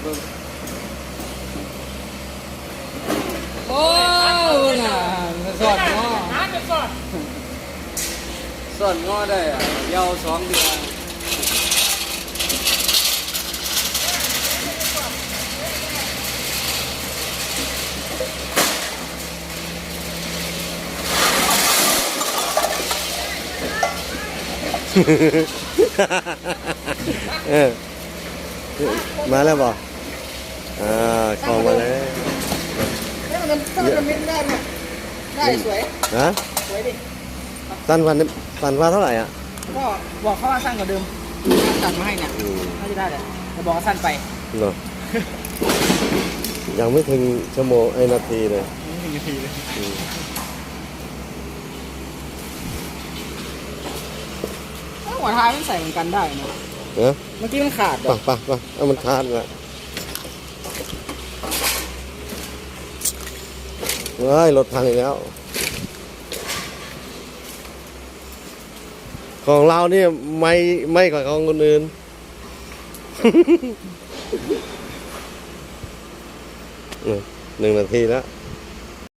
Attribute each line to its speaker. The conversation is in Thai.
Speaker 1: โอ้น่ะสอนงอสอนงอได้อะยาว2 เดือน
Speaker 2: เออมาแล้วบอกของมาแล้ว
Speaker 1: ถ้ามันไม่ได้เนี่ยได้สวย
Speaker 2: ฮะ
Speaker 1: สวยดิ
Speaker 2: สั้นวันเท่าไหร่อ่ะ
Speaker 1: ก็บอกเขาว่าสั้นกว่าเดิมตัดมาให้เนี่ยน่าจะได้แหละแต่บอกว่าสั้นไป
Speaker 2: เนาะยังไม่ถึงชั่วโมงนาทีเลย
Speaker 1: ไม่ถึงนาทีเลยหัวท้ายมันใส่เหมือนกันได้นะ
Speaker 2: เนาะ
Speaker 1: เมื่อกี้มันขาด
Speaker 2: ป่ะเอามันขาดละเฮ้ยรถพังอีกแล้ว ของเราเนี่ยไม่กว่าของคนอื่น 1 นาทีแล้ว